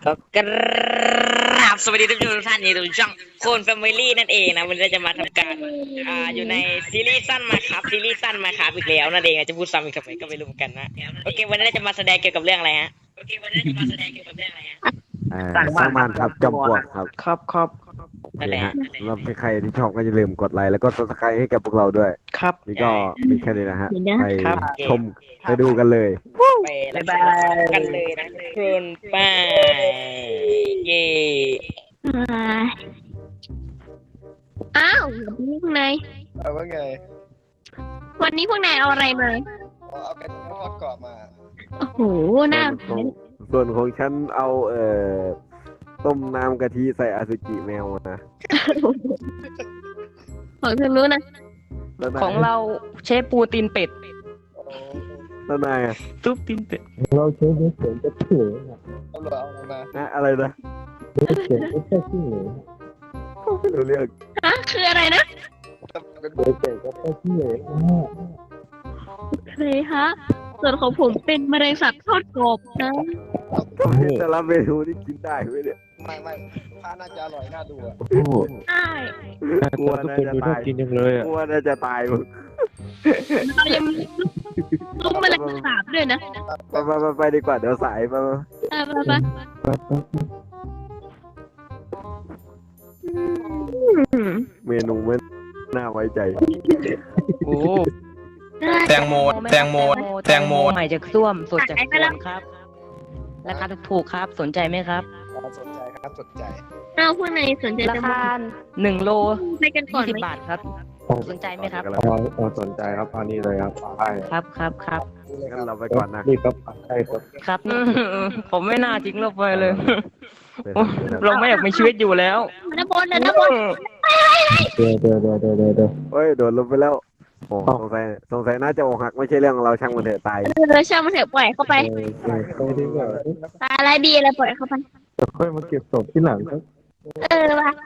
กราบสวัสดีทุกท่านอยู่ในช่องโคนแฟมิลี่นั่นเองนะวันนี้เราจะมาทำการอยู่ในซีรีส์สั้นมาครับซีรีส์สั้นมาครับอีกแล้วนั่นเองจะพูดซ้ำอีกทำไมก็ไม่รู้เหมือนกันนะโอเควันนี้เราจะมาแสดงเกี่ยวกับเรื่องอะไรฮะสร้างบ้านครับจอมปลวกครับครับนั่นแหละเราเป็นใครที่ชอบก็อย่าลืมกดไลค์แล้วก็ซับสไครต์ให้กับพวกเราด้วยครับนี่ก็มีแค่นี้นะฮะไปครับชมไปดูกันเลยไปรับชมกันเลยนะคุณป้าเย่อ้าววันนี้พวกนายว่าไงวันนี้พวกนายเอาอะไรมาเอาไก่ทอดกรอบมาโอ้โหน่าส่วนของฉันเอาต้มน้ำกะทิใส่อสุจิแมวมาของเธอรู้นะแล้วนายของเราเชฟปูตีนเป็ดแล้วนายอะซุปตีนเป็ดเอาเหลือเอาอะไรมาอะไรนะไม่รู้เรื่องฮะคืออะไรนะเป็นเคยฮะส่วนของผมเป็นมะเร็งสัตว์ทอดกรอบนะแต่ละเมนูนี่กินได้ไหมเนี่ยไม่ผ้าน่าจะอร่อยน่าดูอ่ะใช่กลัวน่าจะตายกลัวน่าจะตายมึงเรายังมีซุ้มมะเร็งสาบด้วยนะไปดีกว่าเดี๋ยวสายไปไปเมนูไม่น่าไว้ใจโอ้แตงโมใหม่จากส้วมสดจากสวนครับราคาถูกๆครับสนใจไหมครับสนใจครับสนใจเอาพวกนายสนใจราจะคามา 1 โลไปกันก่อน 20 ไหมบาทครับสนใจไหมครับสนใจครับอันนี้เลยครับใช่ครับงั้นเราไปก่อนนะนี่ครับใช่ครับครับผมไม่น่าทิ้งเราไปเลย เราไม่อยากมีชีวิตอยู่แล้วนะบนนะบนเดี๋ยวเฮ้ยโดดลงไปแล้วโอ้สงสัยน่าจะอกหักไม่ใช่เรื่องของเราช่างมันเถอะตายเราช่างมันเถอะปล่อยเข้าไปไปดีกว่าตาอะไรดีอะไรปล่อยเข้าไปค่อยมาเก็บศพที่หลังครับว่ะ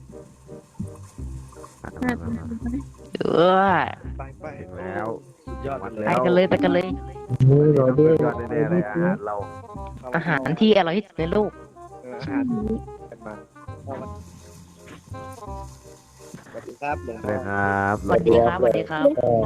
เออไปแล้วยอดไปกันเลยมือรอด้วยยอดแน่ๆเลยอาหารเราอาหารที่อร่อยที่สุดในโลกอาหารกันมาสวัสดีครับหลวงเลพ่อยครับสวัสดีครับ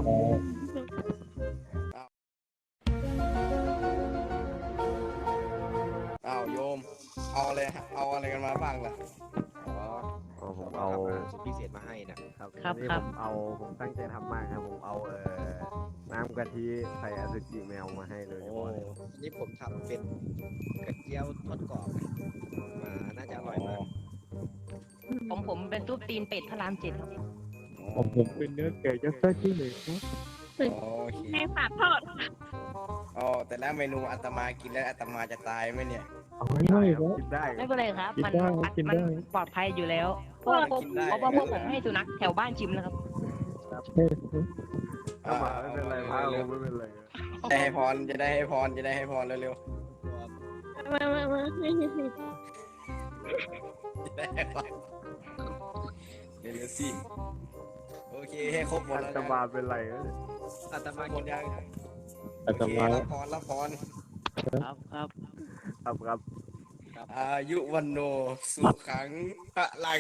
อ้าวโยม เอาอะไรกันมาบ้างล่ะผมเอาสุดพิเศษมาให้นะครับนี่ผมตั้งใจทำมากครับผมเอาน้ำกะทิใส่อสุจิแมวมาให้เลยนี่ผมทำเป็นกระเจียวทอดกรอบมาน่าจะอร่อยมากของผมเป็นซุปตีนเป็ดพระราม7ครับผมเป็นเนื้อแกะยัดไส้ที่เหลือครับโอเคในฝาทอดอ๋อแต่แล้วเมนูอาตมากินแล้วอาตมาจะตายไหมเนี่ยเอาไม่ได้ครับกินได้ไม่เป็นไรครับ มันกินได้ปลอดภัยอยู่แล้วเพราะว่าพวกผมให้สุนัขแถวบ้านชิมนะครับไม่เป็นไรพาผมไม่เป็นไรจะให้พรจะได้ให้พรเร็วมาๆจะได้ให้พรเร็วๆสิโอเคให้ครบหมดแล้วจะนะมาเป็นไรอาตมาหมดยังอาตมารับพรครับอายุวันโนสุขังพระลัง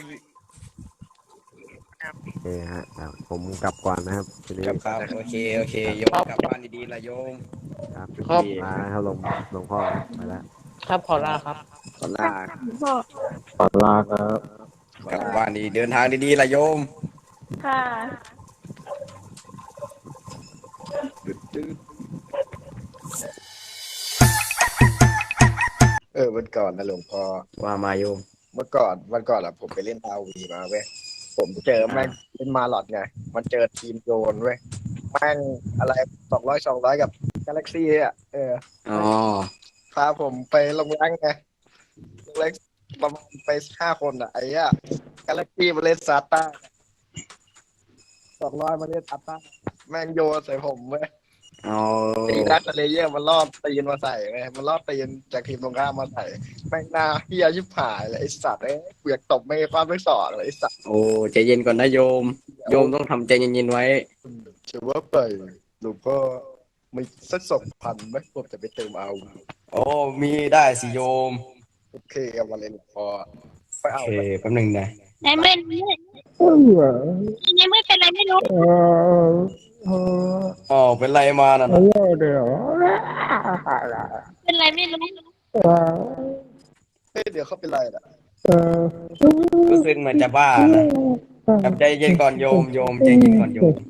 โอเคฮะผมกลับก่อนนะครับทีนี้ครับโอเคโยมกลับบ้านดีๆละโยมครับครับลาครับหลวงพ่อไปแล้วครับขอลาครับขอลาพ่อขอลาครับกลับบ้านดีเดินทางดีๆละโยมค่ะวันก่อนนะหลวงพ่อว่ามาโยมวันก่อนอะผมไปเล่นอาวีมาเว้ยผมเจอแม่งเป็นมาหลอดไงมันเจอทีมโยนเว้ยแม่งอะไร200กับกาแล็กซี่อะอ๋อพาผมไปลงแรงไงลงแรงประมาณไป5 คนอะไอ้อะกาแล็กซี่มาเล่นซาต้า200มาเล่นซาต้าแม่งโยนใส่ผมเว้ยอ๋อตีนักเลเยอร์มันรอบตีนมาใส่เว้ยมันรอบตีนจากทีมตรงข้ามมาใส่แม่งหน้าเฮียชิบหายเลยไอ้สัตว์เบียกตบไม่ความไม่สอนเลยไอ้สัตว์โอ้ใจเย็นก่อนนะโยม โยมต้องทำใจเย็นๆไว้ถือว่าไปหลวงพ่อมีสัก2,000ไหมผมจะไปเติมเอาโอ้มีได้สิโยมโอเคเอามาเลยหลวงพ่อไปโอเอาเคไปแป๊บหนึงนะในเมื่อในเมื่อเป็นอะไรไม่รู้อ๋อเป็นไรมาน่ะนะเป็นอะไรไม่รู้เฮ้ยเดี๋ยวเขาเป็นไรล่ะรู้สึกเหมือนจะบ้านะแบบใจเย็นก่อนโยมใจเย็นก่อนโยม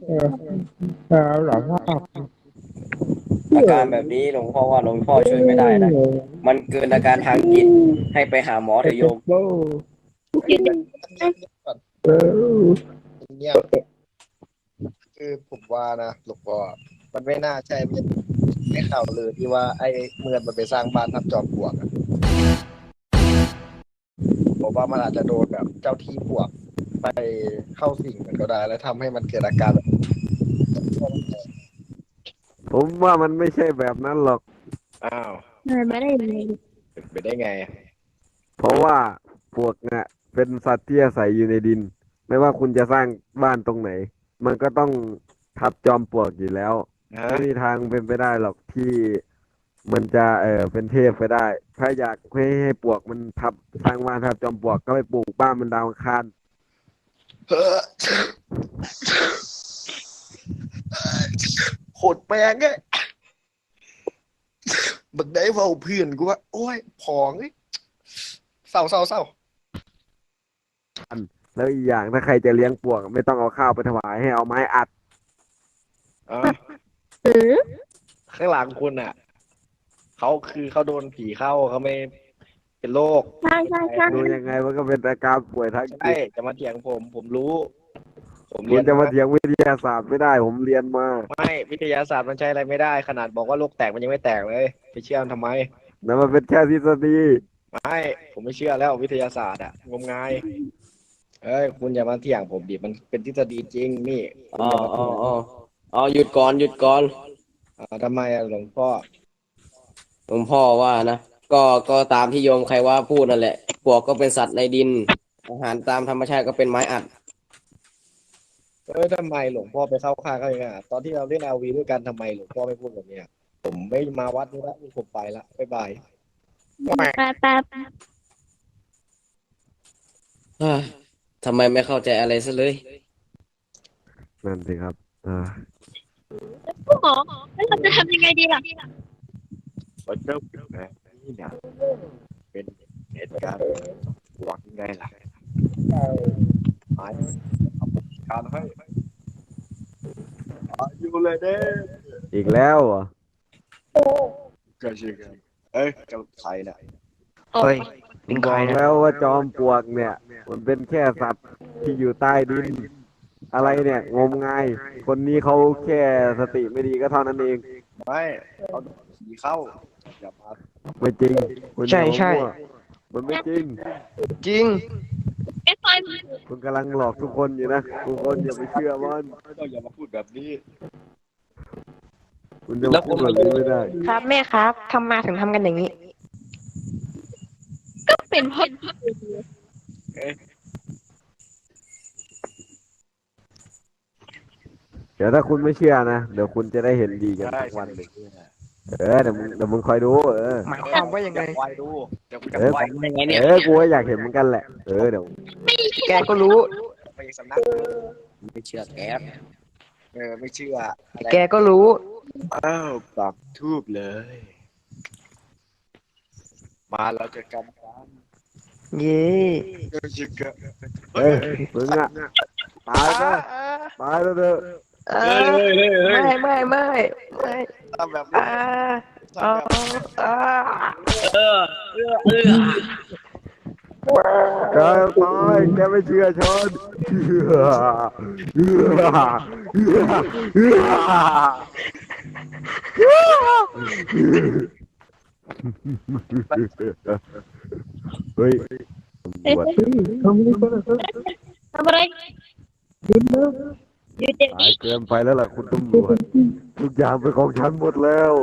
อาการแบบนี้หลวงพ่อว่าหลวงพ่อช่วยไม่ได้นะมันเกินอาการทางจิตให้ไปหาหมอเถอะโยมเงียบคือผมว่านะหลวงพ่อมันไม่น่าใช่ไม่ข่าวเลยที่ว่าไอ้เมือนมันไปสร้างบ้านทับจอมปลวกอะผมว่ามันอาจจะโดนแบบเจ้าที่ปลวกไปเข้าสิงมันก็ได้ แล้วทำให้มันเกิดอาการแบบผมว่ามันไม่ใช่แบบนั้นหรอกอ้าวไม่ได้เลยเป็นไปได้ไงเพราะว่าปลวกเนี่ยเป็นสัตว์ที่อาศัยอยู่ในดิน ไม่ว่าคุณจะสร้างบ้านตรงไหน มันก็ต้องทับจอมปลวกอยู่แล้วฮะไม่มีทางเป็นไปได้หรอกที่มันจะเป็นเทพไปได้ ถ้าอยากให้ปลวกมันทับสร้างบ้านทับจอมปลวกก็ไปปลูกบ้านมันดาวอังคารโหดแปลงไงบักได้เฝ้าเพื่อนกูว่าโอ้ยผองเอ้ยเศร้าแล้วอีกอย่างถ้าใครจะเลี้ยงปลวกไม่ต้องเอาข้าวไปถวายให้เอาไม้อัดข้างหลังคุณอ่ะเขาโดนผีเข้าเขาไม่เป็นโรคใช่ใช่ใช่ดูยังไงมันก็เป็นอาการป่วยทางใช่จิตจะมาเถียงผมรู้ ผมคุเรียณนจะมาเถียงวิทยาศาสตร์ไม่ได้ ผมเรียนมาไม่วิทยาศาสตร์มันใช้อะไรไม่ได้ ขนาดบอกว่าโลกแตกมันยังไม่แตกเลยไปเชื่อมันทำไมนั่นมันเป็นแค่ทฤษฎีไม่ผมไม่เชื่อแล้ววิทยาศาสตร์อะงมงายเอ้ยคุณอย่ามาเถียงผมดิมันเป็นทฤษฎีจริงนี่คุณอ๋ออย่ามาอ๋เถีอย อ๋อหยุดก่อนทำไมอะหลวงพ่อหลวงพ่อว่านะก็ตามที่โยมใครว่าพูดนั่นแหละปลวกก็เป็นสัตว์ในดินอาหารตามธรรมชาติก็เป็นไม้อัดทำไมหลวงพ่อไปเข้าข้างเขาอย่างเงี้ยตอนที่เราเล่นRVด้วยกันทำไมหลวงพ่อไม่พูดแบบเนี้ยผมไม่มาวัดนี้ละผมไปละบ๊ายบายแป๊บเฮ้ยทำไมไม่เข้าใจอะไรซะเลยนั่นสิครับผู้หมอแล้วเราจะทำยังไงดีล่ะมันเริ่มแบบนี้เนี่ยเป็นเหตุการณ์หวังไงล่ะหายเอาการให้อยู่เลยเด้อีกแล้วเหรอก็ใช่กันเอ้ยเจ้าใครน่ะเฮ้ยผมบอกแล้วว่าจอมปลวกเนี่ย มันเป็นแค่สัตว์ที่อยู่ใต้ดิน อะไรเนี่ย งมงาย คนนี้เขาแค่สติไม่ดีก็เท่านั้นเองไม่เอาผีเข้าอย่ามาไม่จริงคุณใช่ใช่อย่ามั่วมันไม่จริงจริงไอ้ซอยมันคุณกำลังหลอกทุกคนอยู่นะ ทุกคนอย่าไปเชื่อมันไม่ต้องอย่ามาพูดแบบนี้คุณจะมาพูดแบบนี้ไม่ได้ครับแม่ครับทำมาถึงทำกันอย่างนี้ก็เป็นเพราะเดี๋ยวถ้าคุณไม่เชื่อนะ เดี๋ยวคุณจะได้เห็นดีกันได้สักวันหนึ่งใช่เดี๋ยวมึงคอยดูหมายความว่ายังไงไวดูเดี๋ยวกูจะไวกูก็อยากเห็นเหมือนกันแหละ เดี๋ยวแกก็รู้ไปสำนักไม่เชื่อแกไม่เชื่ออะไรแกก็รู้อ้าวปักทูบเลย มาเราจะกันกันเย่เราจะกันเฮ้ยมึงอะตายซะตายแล้วเถอะไม่ทำแบบนี้อ่าทำแบบนี้แกตายแกไม่เชื่อชนเฮ้ยตำรวจทำอะไรอยู่เดี๋ยวตายนี้เกินไปแล้วล่ะคุณตำรวจทุกอย่างเป็นของฉันหมดแล้ว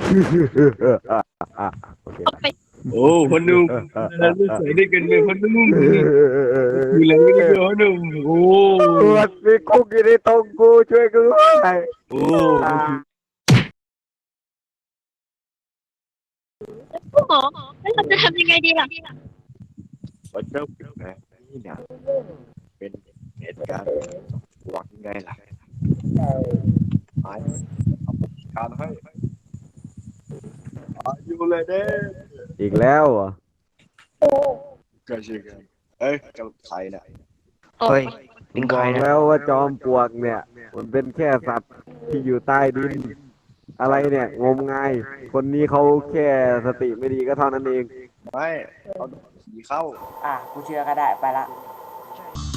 โอเคโอ้พนุ่มเราจะใส่ด้วยกันเลยพนุ่มอยู่แล้วไม่ได้พนุ่มโอ้ตำรวจมีคุกอยู่ในตรงกูช่วยกูด้วยโอ้โอ้โหแล้วเราจะทำยังไงดีล่ะว่าเจ้าแบบนี้เนี่ยเป็นเหตุการณ์ปวกยังไงล่ะหายเอาการให้อยู่เลยเด้อีกแล้วเหรอก็ใช่เอ้ยเจ้าใครเนี่ยเฮ้ยบอกแล้วว่าจอมปลวกเนี่ย มันเป็นแค่สัตว์ที่อยู่ใต้ดิน อะไรเนี่ยงมงาย คนนี้เขาแค่สติไม่ดีก็เท่านั้นเองไม่เอาผีเข้าอ่ะกูเชื่อก็ได้ไปละเ